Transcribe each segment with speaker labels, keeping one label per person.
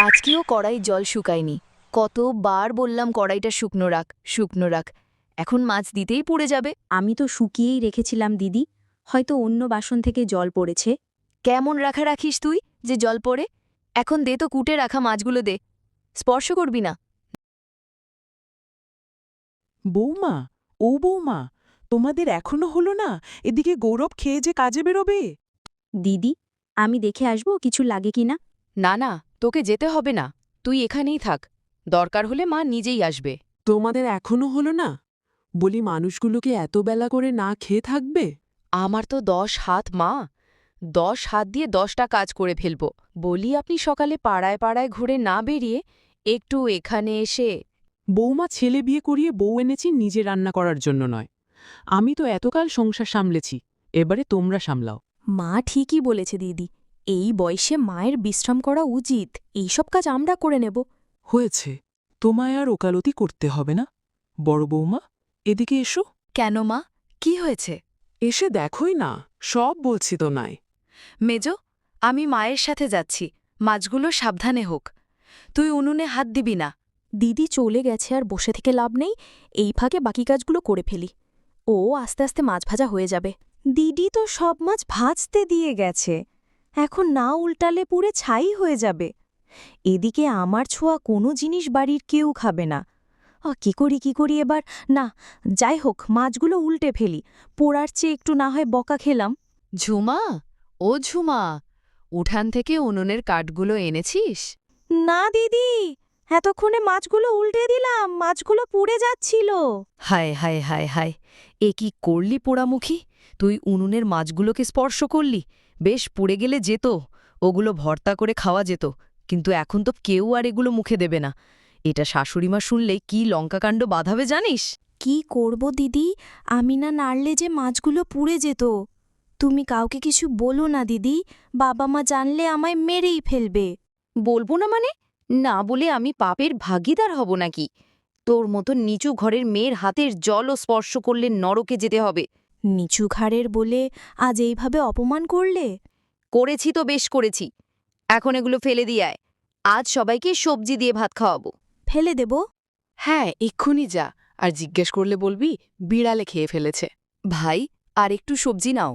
Speaker 1: আজকেও কড়াই জল শুকায়নি। কতবার বললাম কড়াইটা শুকনো রাখ, শুকনো রাখ। এখন মাছ দিতেই পুড়ে যাবে।
Speaker 2: আমি তো শুকিয়েই রেখেছিলাম দিদি, হয়তো অন্য বাসন থেকে জল পড়েছে।
Speaker 1: কেমন রাখা রাখিস তুই যে জল পড়ে? এখন দে তো, কুটে রাখা মাছগুলো দে। স্পর্শ করবি না।
Speaker 3: বৌমা, ও বৌমা, তোমাদের এখনো হলো না? এদিকে গৌরব খেয়ে যে কাজে বেরোবে।
Speaker 2: দিদি, আমি দেখে আসবো কিছু লাগে কিনা।
Speaker 1: না না, তোকে যেতে হবে না, তুই এখানেই থাক। দরকার হলে মা নিজেই আসবে।
Speaker 3: তোমাদের এখনো হলো না? বলি, মানুষগুলোকে এত বেলা করে না খেয়ে থাকবে?
Speaker 1: আমার তো 10 হাত মা, 10 হাত দিয়ে 10টা কাজ করে ফেলব। বলি, আপনি সকালে পাড়ায় পাড়ায় ঘুরে না বেরিয়ে একটু এখানে এসে।
Speaker 3: বৌমা, ছেলে বিয়ে করিয়ে বউ এনেছি নিজে রান্না করার জন্য নয়। আমি তো এতকাল সংসার সামলেছি, এবারে তোমরা সামলাও।
Speaker 2: মা ঠিকই বলেছে দিদি, এই বয়সে মায়ের বিশ্রাম করা উচিত। এইসব কাজ আমরা করে নেব।
Speaker 3: হয়েছে, তোমায় আর ওকালতি করতে হবে না। বড় বৌমা, এদিকে এসো।
Speaker 1: কেন মা, কি হয়েছে?
Speaker 3: এসে দেখোই না, সব বলছি তো নাই।
Speaker 1: মেজো, আমি মায়ের সাথে যাচ্ছি, মাছগুলো সাবধানে হোক। তুই উনুনে হাত দিবি না।
Speaker 2: দিদি চলে গেছে, আর বসে থেকে লাভ নেই। এই ফাঁকে বাকি কাজগুলো করে ফেলি। ও আস্তে আস্তে মাছ ভাজা হয়ে যাবে। দিদি তো সব মাছ ভাজতে দিয়ে গেছে, এখন না উল্টালে পুড়ে ছাই হয়ে যাবে। এদিকে আমার ছোঁয়া কোনো জিনিস বাড়ির কেউ খাবে না। কি করি এবার? না, যাই হোক, মাছগুলো উল্টে ফেলি। পোড়ার চেয়ে একটু না হয় বকা খেলাম।
Speaker 1: ঝুমা, ও ঝুমা, উঠান থেকে উনুনের কাঠগুলো এনেছিস?
Speaker 2: না দিদি, এতক্ষণে মাছগুলো উল্টে দিলাম, মাছগুলো পুড়ে যাচ্ছিল।
Speaker 1: হায় হায় হায় হায়, এ কি করলি পোড়ামুখী? তুই উনুনের মাছগুলোকে স্পর্শ করলি, বেশ পুড়ে গেলে যেত, ওগুলো ভর্তা করে খাওয়া যেত। কিন্তু এখন তো কেউ আর এগুলো মুখে দেবে না। এটা শাশুড়িমা শুনলেই কি লঙ্কাকাণ্ড বাঁধাবে জানিস?
Speaker 2: কি করব দিদি, আমি না নাড়লে যে মাছগুলো পুড়ে যেত। তুমি কাউকে কিছু বলো না দিদি, বাবা মা জানলে আমায় মেরেই ফেলবে।
Speaker 1: বলবো না মানে? না বলে আমি পাপের ভাগিদার হব নাকি? তোর মতো নিচু ঘরের মেয়ের হাতের জলও স্পর্শ করলে নরকে যেতে হবে।
Speaker 2: নিচু ঘাড়ের বলে আজ এইভাবে অপমান করলে?
Speaker 1: করেছি তো, বেশ করেছি। এখন এগুলো ফেলে দিয়ে আয়। আজ সবাইকে সবজি দিয়ে ভাত খাওয়াবো।
Speaker 2: ফেলে দেব?
Speaker 1: হ্যাঁ, এক্ষুনি যা। আর জিজ্ঞেস করলে বলবি বিড়ালে খেয়ে ফেলেছে। ভাই, আর একটু সবজি নাও।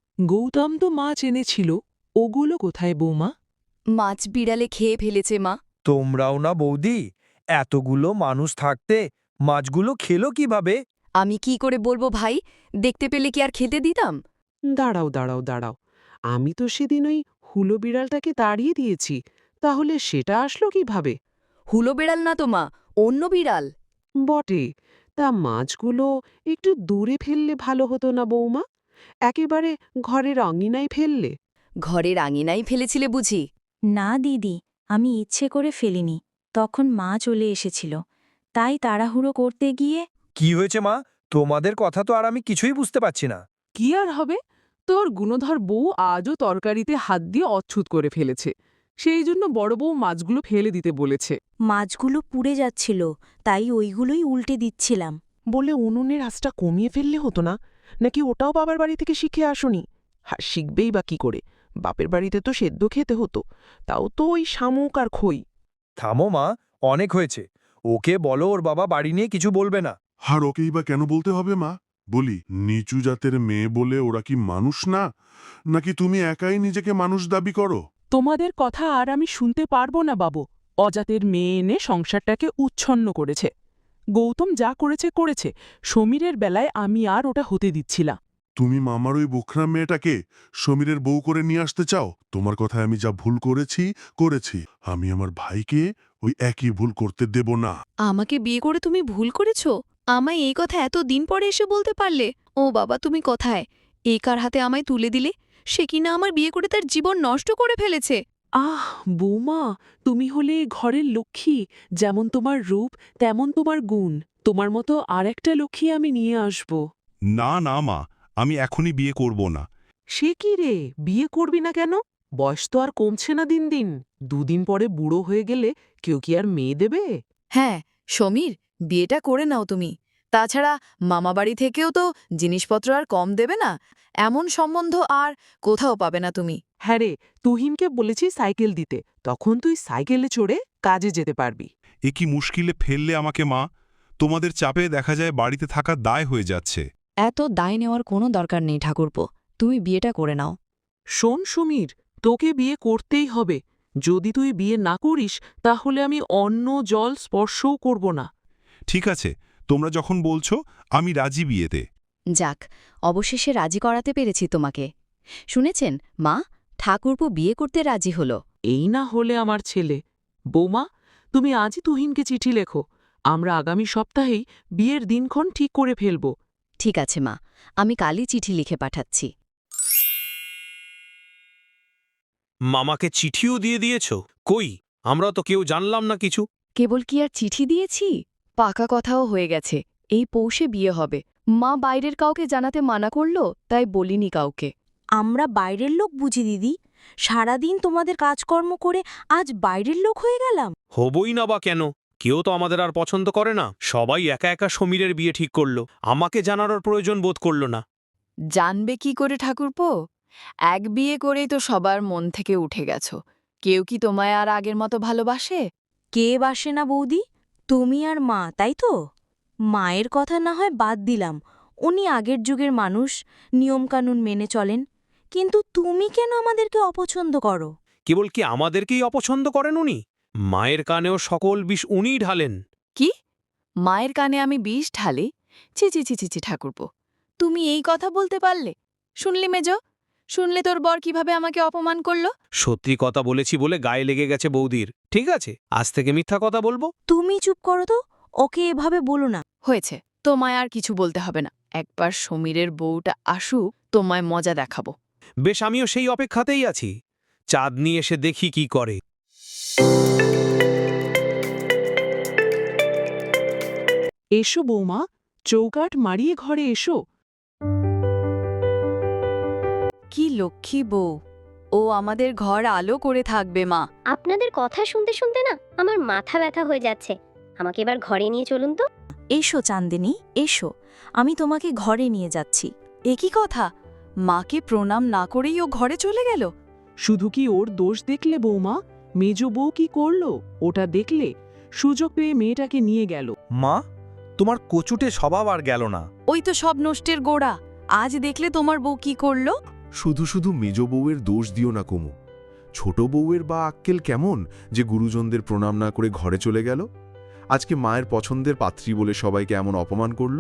Speaker 3: গৌতম তো মাছ এনেছিল, ওগুলো কোথায় বৌমা?
Speaker 1: মাছ বিড়ালে খেয়ে ফেলেছে মা।
Speaker 4: তোমরাও না বৌদি, এতগুলো মানুষ থাকতে মাছগুলো খেলো কিভাবে?
Speaker 1: আমি কি করে বলবো ভাই, দেখতে পেলে কি আর খেতে দিতাম?
Speaker 3: দাঁড়াও দাঁড়াও দাঁড়াও, আমি তো সেদিন ওই হুলো বিড়ালটাকে তাড়িয়ে দিয়েছি, তাহলে সেটা আসলো কিভাবে?
Speaker 1: হুলো বিড়াল না তো মা, অন্য বিড়াল।
Speaker 3: বটে, তা মাছগুলো একটু দূরে ফেললে ভালো হতো না বৌমা? একেবারে ঘরের আঙিনায় ফেললে।
Speaker 1: ঘরের আঙিনাই ফেলেছিলে বুঝি?
Speaker 2: না দিদি, আমি ইচ্ছে করে ফেলিনি, তখন মা চলে এসেছিল, তাই তাড়াহুড়ো করতে গিয়ে।
Speaker 4: কি হয়েছে মা? তোমাদের কথা তো আর আমি কিছুই বুঝতে পারছি না।
Speaker 3: কি আর হবে, তোর গুণধর বউ আজও তরকারিতে হাত দিয়ে অচ্ছুত করে ফেলেছে, সেই জন্য বড় বউ মাছগুলো ফেলে দিতে বলেছে।
Speaker 2: মাছগুলো পুড়ে যাচ্ছিল, তাই ওইগুলোই উল্টে দিচ্ছিলাম।
Speaker 3: বলে উনুনের আঁচটা কমিয়ে ফেললে হতো না? নাকি ওটাও বাবার বাড়ি থেকে শিখে আসনি? আর শিখবেই বা কি করে? বাপের বাড়িতে তো সেদ্ধ খেতে হতো, তাও তো ওই শামুক আর খই।
Speaker 4: থামো মা, অনেক হয়েছে। ওকে বলো ওর বাবা বাড়ি নিয়ে কিছু বলবে না।
Speaker 5: আর ওকেই বা কেন বলতে হবে মা? বলি, নিচু জাতের মেয়ে বলে ওরা কি মানুষ না? নাকি তুমি একাই নিজেকে মানুষ দাবি করো?
Speaker 3: তোমাদের কথা আর আমি শুনতে পারবো না বাবু। অজাতের মেয়ে এনে সংসারটাকে উচ্ছন্ন করেছে। গৌতম যা করেছে করেছে, সমীরের বেলায় আমি আর ওটা হতে দিচ্ছি না।
Speaker 5: তুমি মামার ওই বোখরা মেয়েটাকে সমীরের বউ করে নিয়ে আসতে চাও? তোমার কথায় আমি যা ভুল করেছি। আমি আমার ভাইকে ওই একই ভুল করতে দেব না।
Speaker 1: আমাকে বিয়ে করে তুমি ভুল করেছ? আমায় এই কথা এত দিন পরে এসে বলতে পারলে? ও বাবা, তুমি কোথায়? এই কার হাতে আমায় তুলে দিলে? সে কিনা আমার বিয়ে করে তার জীবন নষ্ট করে ফেলেছে।
Speaker 3: আহ বৌমা, তুমি হলে এ ঘরের লক্ষ্মী। যেমন তোমার রূপ তেমন তোমার গুণ। তোমার মতো আর একটা লক্ষ্মী আমি নিয়ে আসব।
Speaker 6: না না মা, আমি এখনই বিয়ে করব না।
Speaker 3: সে কি রে, বিয়ে করবি না কেন? বয়স তো আর কমছে না দিন দিন। দুদিন পরে বুড়ো হয়ে গেলে কেউ কি আর মেয়ে দেবে?
Speaker 1: হ্যাঁ সমীর, বিয়েটা করে নাও তুমি। তাছাড়া মামাবাড়ি থেকেও তো জিনিসপত্র আর কম দেবে না। এমন সম্বন্ধ আর কোথাও পাবে না তুমি।
Speaker 3: হ্যাঁ রে, তুহিনকে বলেছি সাইকেল দিতে, তখন তুই সাইকেলে চড়ে কাজে যেতে পারবি।
Speaker 6: এ কি মুশকিলে ফেললে আমাকে মা? তোমাদের চাপে দেখা যায় বাড়িতে থাকার দায় হয়ে যাচ্ছে।
Speaker 1: এত দায় নেওয়ার কোনো দরকার নেই ঠাকুরপো, তুমি বিয়েটা করে নাও।
Speaker 3: শোন সমীর, তোকে বিয়ে করতেই হবে। যদি তুই বিয়ে না করিস তাহলে আমি অন্ন জল স্পর্শও করব না।
Speaker 6: ঠিক আছে, তোমরা যখন বলছো আমি রাজি বিয়েতে।
Speaker 1: যাক, অবশেষে রাজি করাতে পেরেছি তোমাকে। শুনেছেন মা, ঠাকুরপো বিয়ে করতে রাজি হলো।
Speaker 3: এই না হলে আমার ছেলে। বৌমা, তুমি আজই তুহিনকে চিঠি লেখো। আমরা আগামী সপ্তাহেই বিয়ের দিনক্ষণ ঠিক করে ফেলব।
Speaker 1: ঠিক আছে মা, আমি কালই চিঠি লিখে পাঠাচ্ছি।
Speaker 7: মামাকে চিঠিও দিয়ে দিয়েছ? কই, আমরা তো কেউ জানলাম না কিছু।
Speaker 1: কেবল কি আর চিঠি দিয়েছি, পাকা কথাও হয়ে গেছে। এই পৌষে বিয়ে হবে। মা বাইরের কাউকে জানাতে মানা করল, তাই বলিনি কাউকে।
Speaker 2: আমরা বাইরের লোক বুঝি দিদি? সারাদিন তোমাদের কাজকর্ম করে আজ বাইরের লোক হয়ে গেলাম।
Speaker 7: হবই না বা কেন? কেউ তো আমাদের আর পছন্দ করে না। সবাই একা একা সমীরের বিয়ে ঠিক করলো, আমাকে জানানোর প্রয়োজন বোধ করল না।
Speaker 8: জানবে কি করে ঠাকুরপো? এক বিয়ে করেই তো সবার মন থেকে উঠে গেছো। কেউ কি তোমায় আর আগের মতো ভালোবাসে?
Speaker 2: কে বাসে না বৌদি? তুমি আর মা, তাই তো? মায়ের কথা না হয় বাদ দিলাম, উনি আগের যুগের মানুষ, নিয়মকানুন মেনে চলেন। কিন্তু তুমি কেন আমাদেরকে অপছন্দ করো?
Speaker 7: কেবল কি আমাদেরকেই অপছন্দ করেন উনি? মায়ের কানেও সকল বিষ উনিই ঢালেন।
Speaker 8: কি? মায়ের কানে আমি বিষ ঢালি? ছি ছি ছি ছি ছি ঠাকুরপো, তুমি এই কথা বলতে পারলে? শুনলি মেজো? শুনলে তোর বর কিভাবে আমাকে অপমান করল?
Speaker 7: সত্যি কথা বলেছি বলে গায়ে লেগে গেছে বৌদির। ঠিক আছে, আজ থেকে মিথ্যা কথা বলবো।
Speaker 2: তুমি চুপ করো তো, ওকে এভাবে বলো না।
Speaker 8: হয়েছে, তোমায় আর কিছু বলতে হবে না। একবার সমীরের বউটা আসুক, তোমায় মজা দেখাবো।
Speaker 7: বেশ, আমিও সেই অপেক্ষাতেই আছি। চাঁদনি এসে দেখি কি করে।
Speaker 3: এসো বৌমা, চৌকাঠ মারিয়ে ঘরে এসো।
Speaker 8: কি লক্ষ্মী বউ, ও আমাদের ঘর আলো করে থাকবে মা।
Speaker 9: আপনাদের কথা শুনতে শুনতে না আমার মাথা ব্যথা হয়ে যাচ্ছে। আমাকে এবার ঘরে নিয়ে চলুন তো।
Speaker 2: এসো চান্দিনী, এসো, আমি তোমাকে ঘরে নিয়ে যাচ্ছি।
Speaker 8: এ কি কথা? মাকে প্রণাম না করেই ও ঘরে চলে গেল?
Speaker 3: শুধু কি ওর দোষ দেখলে বৌমা? মেজ বউ কি করল ওটা দেখলে? সুযোগ পেয়ে মেয়েটাকে নিয়ে গেল।
Speaker 4: মা, তোমার কচুটে স্বভাব আর গেল না।
Speaker 8: ওই তো সব নষ্টের গোড়া। আজ দেখলে তোমার বউ কি করলো?
Speaker 10: শুধু শুধু মেজ বউয়ের দোষ দিও না কুমু। ছোট বউয়ের বা আক্কেল কেমন যে গুরুজনদের প্রণাম না করে ঘরে চলে গেল? আজকে মায়ের পছন্দের পাত্রী বলে সবাইকে এমন অপমান করল।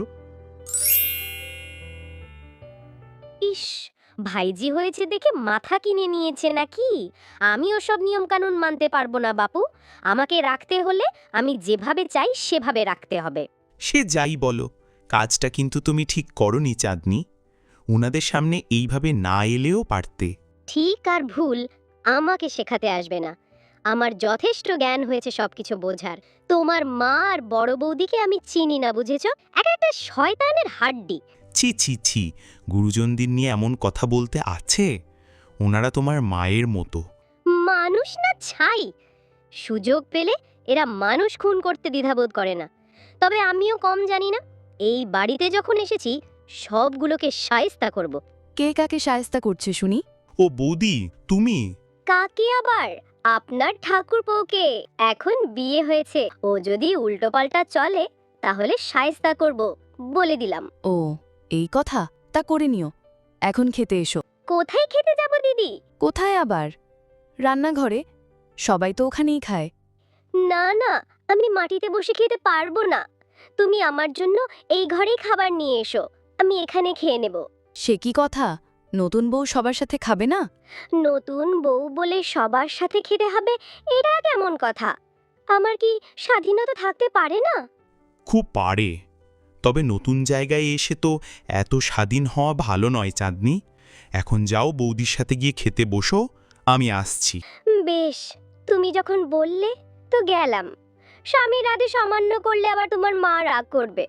Speaker 9: ইস, ভাইজি হয়েছে দেখে মাথা কিনে নিয়েছে নাকি? আমি ওসব নিয়মকানুন মানতে পারবো না বাপু। আমাকে রাখতে হলে আমি যেভাবে চাই সেভাবে রাখতে হবে।
Speaker 11: সে যাই বলো, কাজটা কিন্তু তুমি ঠিক করনি চাঁদনি। উনাদের সামনে এইভাবে না এলেও পারতে।
Speaker 9: ঠিক আর ভুল আমাকে শেখাতে আসবে না। আমার যথেষ্ট জ্ঞান হয়েছে সবকিছু বোঝার। তোমার মা আর বড় বৌদিকে আমি চিনি না, বুঝেছ? একটা শয়তানের হাড্ডি।
Speaker 11: ছি ছি ছি, গুরুজনদের নিয়ে এমন কথা বলতে আছে? ওনারা তোমার মায়ের মতো।
Speaker 9: মানুষ না ছাই। সুযোগ পেলে এরা মানুষ খুন করতে দ্বিধাবোধ করে না। তবে আমিও কম জানি না। এই বাড়িতে যখন এসেছি সবগুলোকে শায়েস্তা করব।
Speaker 8: কে কাকে শায়েস্তা করছে শুনি?
Speaker 11: ও বৌদি, তুমি?
Speaker 9: কাকে আবার? আপনার ঠাকুরপোকে। এখন বিয়ে হয়েছে, ও যদি উল্টোপাল্টা চলে তাহলে শায়েস্তা করব, বলে দিলাম।
Speaker 8: ও, এই কথা? তা করে নিও। এখন খেতে এসো।
Speaker 9: কোথায় খেতে যাব দিদি?
Speaker 8: কোথায় আবার? রান্নাঘরে। সবাই তো ওখানেই খায়।
Speaker 9: না না, আমি মাটিতে বসে খেতে পারবো না। তুমি আমার জন্য এই ঘরেই খাবার নিয়ে এসো, আমি এখানে খেয়ে নেব।
Speaker 8: সে কি কথা? নতুন বউ সবার সাথে খাবে না?
Speaker 9: নতুন বউ বলে সবার সাথে খেতে হবে, এটা কেমন কথা? আমার কি স্বাধীনতা থাকতে পারে না?
Speaker 11: খুব পারে, তবে নতুন জায়গায় এসে তো এত স্বাধীন হওয়া ভালো নয় চাঁদনি। এখন যাও বৌদির সাথে গিয়ে খেতে বসো, আমি আসছি।
Speaker 9: বেশ, তুমি যখন বললে তো গেলাম। স্বামীর আদেশ অমান্য করলে আবার তোমার মা রাগ করবে।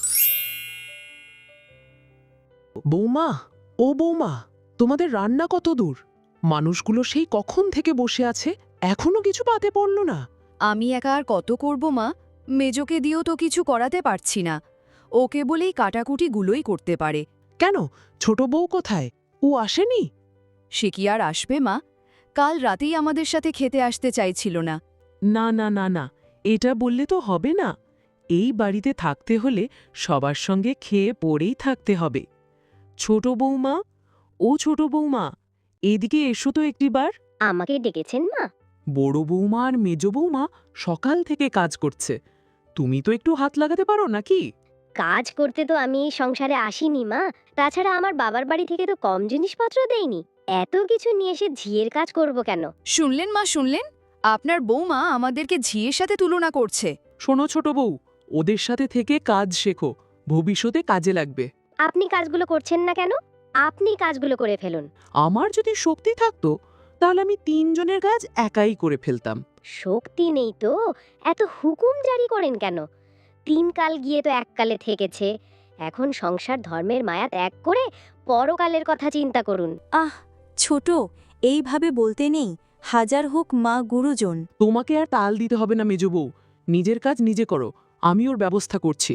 Speaker 3: বৌমা, ও বৌমা, তোমাদের রান্না কত দূর? মানুষগুলো সেই কখন থেকে বসে আছে, এখনো কিছু পাতে পড়ল না।
Speaker 1: আমি একা আর কত করব মা? মেজোকে দিয়েও তো কিছু করাতে পারছি না। ওকে বলেই কাটাকুটিগুলোই করতে পারে।
Speaker 3: কেন, ছোট বউ কোথায়? ও আসেনি?
Speaker 8: সে কি আর আসবে মা? কাল রাতেই আমাদের সাথে খেতে আসতে চাইছিল না।
Speaker 3: না না না না, এটা বললে তো হবে না। এই বাড়িতে থাকতে হলে সবার সঙ্গে খেয়ে পড়েই থাকতে হবে। ছোট বৌমা, ও ছোট বৌমা, এদিকে এসো তো একটিবার।
Speaker 9: আমাকে ডেকেছেন মা?
Speaker 3: বড় বৌমা আর মেজ বৌমা সকাল থেকে কাজ করছে, তুমি তো একটু হাত লাগাতে পারো নাকি?
Speaker 9: কাজ করতে তো আমি এই সংসারে আসিনি মা। তাছাড়া আমার বাবার বাড়ি থেকে তো কম জিনিসপত্র দেয়নি। এত কিছু নিয়ে এসে ঝিয়ের কাজ করব কেন?
Speaker 8: শুনলেন মা, শুনলেন? আপনার বৌমা আমাদেরকে ঝিয়ের সাথে তুলনা করছে।
Speaker 3: শোনো ছোট বউ, ওদের সাথে থেকে কাজ শেখো, ভবিষ্যতে কাজে লাগবে।
Speaker 9: আপনি কাজগুলো করছেন না কেন? আপনি কাজগুলো করে ফেলুন।
Speaker 3: আমার যদি শক্তি থাকতো তাহলে আমি 3 জনের কাজ একাই করে ফেলতাম।
Speaker 9: শক্তি নেই তো এত হুকুম জারি করেন কেন? 3 কাল গিয়ে তো 1 কালে থেকেছে। এখন সংসার ধর্মের মায়া ত্যাগ করে পরকালের কথা চিন্তা করুন।
Speaker 2: আহ ছোট, এইভাবে বলতে নেই। হাজার হোক মা গুরুজন।
Speaker 3: তোমাকে আর তাল দিতে হবে না মেজ বউ, নিজের কাজ নিজে করো, আমি ওর ব্যবস্থা করছি।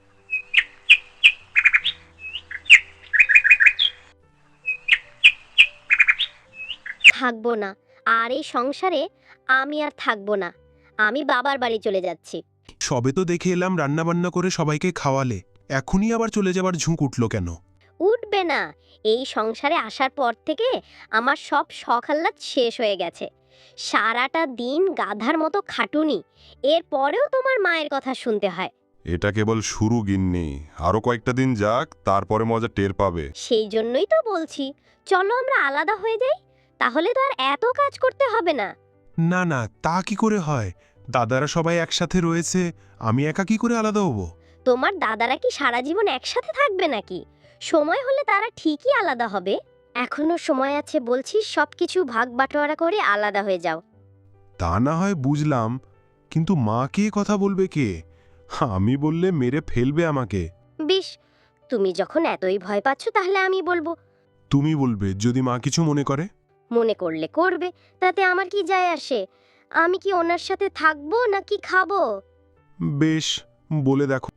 Speaker 9: থাকবো না আর এই সংসারে, আমি আর থাকবো না। আমি বাবার বাড়ি চলে যাচ্ছি।
Speaker 6: সবে তো দেখে এলাম রান্নাবান্না করে সবাইকে খাওয়ালে, এখনই আবার চলে যাবার ঝুঁক উঠল কেন?
Speaker 9: উঠবে না। এই সংসারে আসার পর থেকে আমার সব শখ আহ্লাদ শেষ হয়ে গেছে। সারাটা দিন গাধার মতো খাটুনি, এরপরেও তোমার মায়ের কথা শুনতে হয়।
Speaker 12: এটা কেবল শুরু গিন্নি, আরো কয়েকটা দিন যাক, তারপরে মজা টের পাবে।
Speaker 9: সেই জন্যই তো বলছি, চলো আমরা আলাদা হয়ে যাই, তাহলে তো আর এত কাজ করতে হবে না।
Speaker 6: না না, তা কি করে হয়? দাদারা সবাই একসাথে রয়েছে, আমি একা কি করে আলাদা হব?
Speaker 9: তোমার দাদারা কি সারা জীবন একসাথে থাকবে নাকি? সময় হলে তারা ঠিকই আলাদা হবে। এখনো সময় আছে বলছি, সবকিছু ভাগ বাটোয়ারা করে আলাদা হয়ে যাও।
Speaker 12: তা না হয় বুঝলাম, কিন্তু মা কে কথা বলবে কে? আমি বললে মেরে ফেলবে আমাকে।
Speaker 9: বেশ, তুমি যখন এতই ভয় পাচ্ছ তাহলে আমি বলবো।
Speaker 12: তুমি বলবে যদি মা কিছু মনে করে?
Speaker 9: মনে করলে করবে, তাতে আমার কি যায় আসে? আমি কি ওনার সাথে থাকবো নাকি খাবো?
Speaker 12: বেশ, বলে দেখো।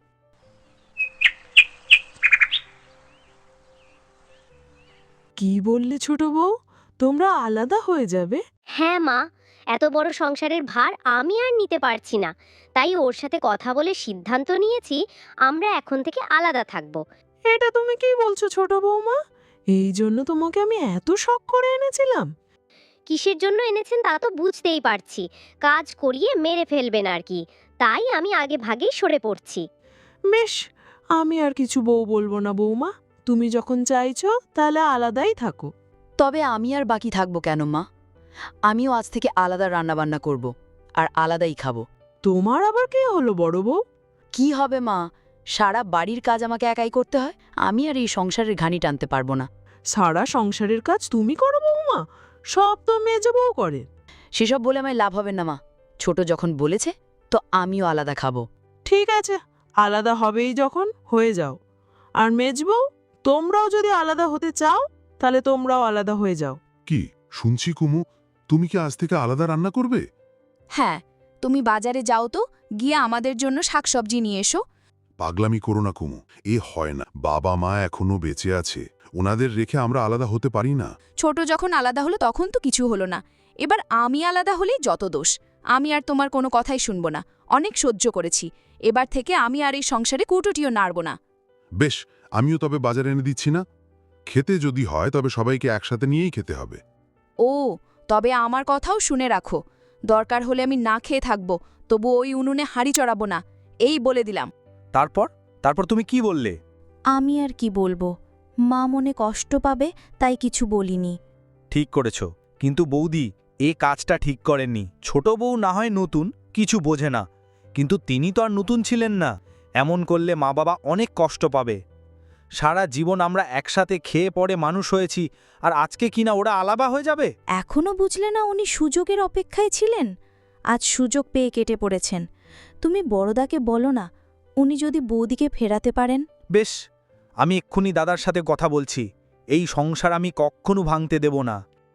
Speaker 3: কি বললে ছোট বউ, তোমরা আলাদা হয়ে যাবে?
Speaker 9: হ্যাঁ মা, এত বড় সংসারের ভার আমি আর নিতে পারছি না। তাই ওর সাথে কথা বলে সিদ্ধান্ত নিয়েছি আমরা এখন থেকে আলাদা থাকবো।
Speaker 3: এটা তুমি কি বলছো ছোট বৌমা? এই জন্য তোমাকে আমি এত শখ করে এনেছিলাম।
Speaker 9: কিসের জন্য এনেছেন তা তো বুঝতেই পারছি। কাজ করিয়ে মেরে ফেলবেন আর কি, তাই আমি আগে ভাগেই সরে পড়ছি।
Speaker 3: বেশ, আমি আর কিছু বউ বলবো না বৌমা, তুমি যখন চাইছো তাহলে আলাদাই থাকো।
Speaker 1: তবে আমি আর বাকি থাকবো কেন মা? আমিও আজ থেকে আলাদা রান্নাবান্না করব আর আলাদাই খাবো।
Speaker 3: তোমার আবার কে হলো বড় বউ?
Speaker 1: কি হবে মা, সারা বাড়ির কাজ আমাকে একাই করতে হয়। আমি আর এই সংসারের ঘানি টানতে পারবো না।
Speaker 3: সারা সংসারের কাজ তুমি করো বৌমা? সব তো মেজ বউ করে।
Speaker 1: সেসব বলে আমায় লাভ হবে না মা। ছোট যখন বলেছে তো আমিও আলাদা খাবো।
Speaker 3: ঠিক আছে, আলাদা হবেই যখন হয়ে যাও। আর মেজ বউ, তোমরাও যদি আলাদা হতে চাও তাহলে তোমরাও আলাদা হয়ে যাও।
Speaker 5: কি শুনছি কুমু, তুমি কি আজ থেকে আলাদা রান্না করবে?
Speaker 8: হ্যাঁ, তুমি বাজারে যাও তো, গিয়ে আমাদের জন্য শাকসবজি নিয়ে এসো।
Speaker 5: পাগলামি করো না কুমু, এ হয় না। বাবা মা এখনো বেঁচে আছে, ওনাদের রেখে আমরা আলাদা হতে পারি না।
Speaker 8: ছোট যখন আলাদা হলো তখন তো কিছু হলো না, এবার আমি আলাদা হলেই যত দোষ। আমি আর তোমার কোনো কথাই শুনব না, অনেক সহ্য করেছি। এবার থেকে আমি আর এই সংসারে কুটুটিও নাড়ব না।
Speaker 5: বেশ, আমিও তবে বাজারে এনে দিচ্ছি না। খেতে যদি হয় তবে সবাইকে একসাথে নিয়েই খেতে হবে।
Speaker 8: ও, তবে আমার কথাও শুনে রাখো, দরকার হলে আমি না খেয়ে থাকব, তবু ওই উনুনে হাঁড়ি চড়াবো না, এই বলে দিলাম।
Speaker 4: তারপর তুমি কি বললে?
Speaker 2: আমি আর কি বলবো, মা মনে কষ্ট পাবে তাই কিছু বলিনি।
Speaker 4: ঠিক করেছ, কিন্তু বৌদি এ কাজটা ঠিক করেননি। ছোট বউ না হয় নতুন, কিছু বোঝে না, কিন্তু তিনি তো আর নতুন ছিলেন না। এমন করলে মা বাবা অনেক কষ্ট পাবে। সারা জীবন আমরা একসাথে খেয়ে পড়ে মানুষ হয়েছি, আর আজকে কিনা ওরা আলাদা হয়ে যাবে?
Speaker 2: এখনো বুঝলে না উনি সুযোগের অপেক্ষায় ছিলেন? আজ সুযোগ পেয়ে কেটে পড়েছেন। তুমি বড়দাকে বলো না, উনি যদি বৌদিকে ফেরাতে পারেন।
Speaker 4: বেশ, আমি এক্ষুনি দাদার সাথে কথা বলছি। এই সংসার আমি কখনো ভাঙতে দেব না।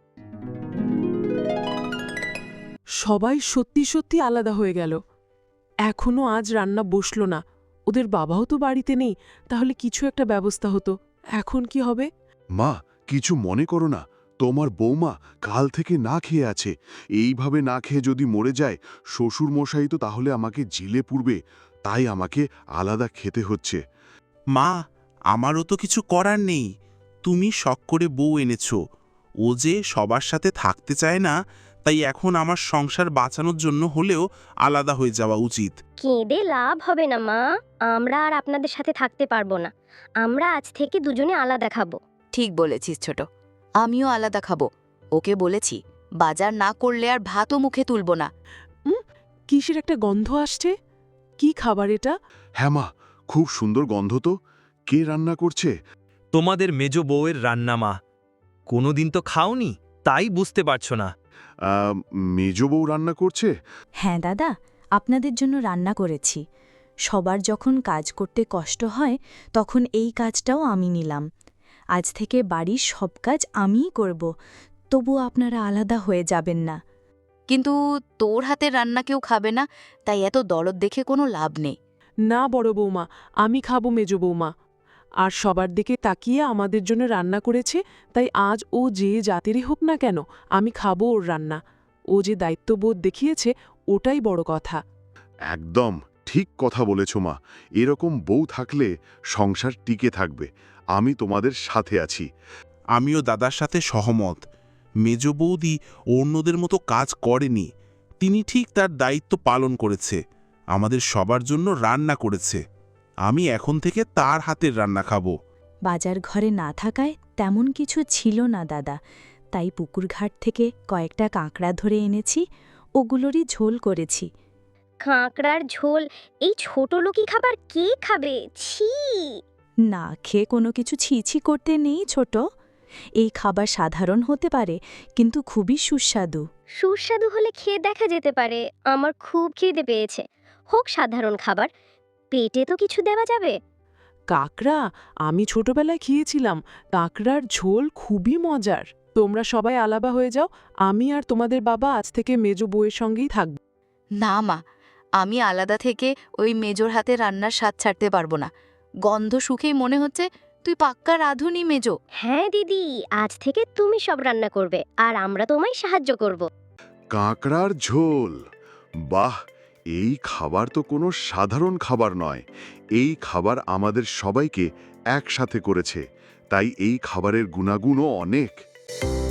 Speaker 3: সবাই সত্যি সত্যি আলাদা হয়ে গেল। এখনো আজ রান্না বসলো না। ওদের বাবাও তো বাড়িতে নেই, তাহলে কিছু একটা ব্যবস্থা হতো। এখন কি হবে?
Speaker 5: মা, কিছু মনে করো না। তোমার বৌমা কাল থেকে না খেয়ে আছে। এইভাবে না খেয়ে যদি মরে যায়, শ্বশুর মশাই তো তাহলে আমাকে জেলে পুরবে। তাই আমাকে আলাদা খেতে হচ্ছে।
Speaker 11: মা, আমারও তো কিছু করার নেই। তুমি শখ করে বউ এনেছো। ও যে সবার সাথে থাকতে চায় না, তাই এখন আমার সংসার বাঁচানোর জন্য হলেও আলাদা হয়ে যাওয়া উচিত।
Speaker 9: কেঁদে লাভ হবে না মা, আমরা আর আপনাদের সাথে থাকতে পারবো না। আমরা আজ থেকে দুজনে আলাদা খাবো।
Speaker 1: ঠিক বলেছিস ছোট, আমিও আলাদা খাবো। ওকে বলেছি বাজার না করলে আর ভাতও মুখে তুলব না।
Speaker 3: কিসের একটা গন্ধ আসছে? কি খাবার এটা?
Speaker 5: হ্যাঁ মা, খুব সুন্দর গন্ধ তো। কে রান্না করছে?
Speaker 4: তোমাদের মেজ বউয়ের রান্না মা। কোনোদিন তো খাওনি, তাই বুঝতে পারছো না।
Speaker 5: মেজ বউ রান্না করছে?
Speaker 2: হ্যাঁ দাদা, আপনাদের জন্য রান্না করেছি। সবার যখন কাজ করতে কষ্ট হয়, তখন এই কাজটাও আমি নিলাম। আজ থেকে বাড়ির সব কাজ আমিই করব, তবু আপনারা আলাদা হয়ে যাবেন না।
Speaker 1: কিন্তু তোর হাতের রান্না কেউ খাবে না, তাই এত দরদ দেখে কোনো লাভ নেই।
Speaker 3: না বড় বৌমা, আমি খাবো মেজ বৌমা। আর সবার দিকে তাকিয়ে আমাদের জন্য রান্না করেছে, তাই আজ ও যে জাতেরই হোক না কেন, আমি খাবো ওর রান্না। ও যে দায়িত্ববোধ দেখিয়েছে, ওটাই বড় কথা।
Speaker 5: একদম ঠিক কথা বলেছ মা। এরকম বউ থাকলে সংসার টিকে থাকবে। আমি তোমাদের সাথে আছি।
Speaker 11: আমিও দাদার সাথে সহমত। মেজ বৌদি অন্যদের মতো কাজ করেনি। তিনি ঠিক তার দায়িত্ব পালন করেছে। আমাদের সবার জন্য রান্না করেছে। আমি এখন থেকে তার হাতের রান্না খাবো।
Speaker 2: বাজার ঘরে না থাকায় তেমন কিছু ছিল না দাদা, তাই পুকুরঘাট থেকে কয়েকটা কাঁকড়া ধরে এনেছি, ওগুলোরই ঝোল করেছি।
Speaker 9: কাঁকড়ার ঝোল? এই ছোট লোকই খাবার কে খাবে? ছি!
Speaker 2: না খেয়ে কোনো কিছু ছিছি করতে নেই ছোট। এই খাবার সাধারণ হতে পারে, কিন্তু খুবই সুস্বাদু।
Speaker 9: সুস্বাদু হলে খেয়ে দেখা যেতে পারে। আমার খুব খিদে পেয়েছে। হোক সাধারণ খাবার, পেটে তো কিছু দেওয়া যাবে।
Speaker 3: কাঁকড়া আমি ছোটবেলায় খেয়েছিলাম। কাঁকড়ার ঝোল খুবই মজার। তোমরা সবাই আলাদা হয়ে যাও, আমি আর তোমাদের বাবা আজ থেকে মেজ বউয়ের সঙ্গেই থাকব।
Speaker 1: না মা, আমি আলাদা থেকে ওই মেজোর হাতে রান্নার স্বাদ ছাড়তে পারবো না। গন্ধ শুকেই মনে হচ্ছে তুই পাক্কা রাঁধুনি মেজো।
Speaker 9: হ্যাঁ দিদি, আজ থেকে তুমি সব রান্না করবে, আর আমরা তোমায় সাহায্য করব।
Speaker 5: কাঁকড়ার ঝোল, বাহ! এই খাবার তো কোনো সাধারণ খাবার নয়। এই খাবার আমাদের সবাইকে একসাথে করেছে, তাই এই খাবারের গুণাগুণও অনেক।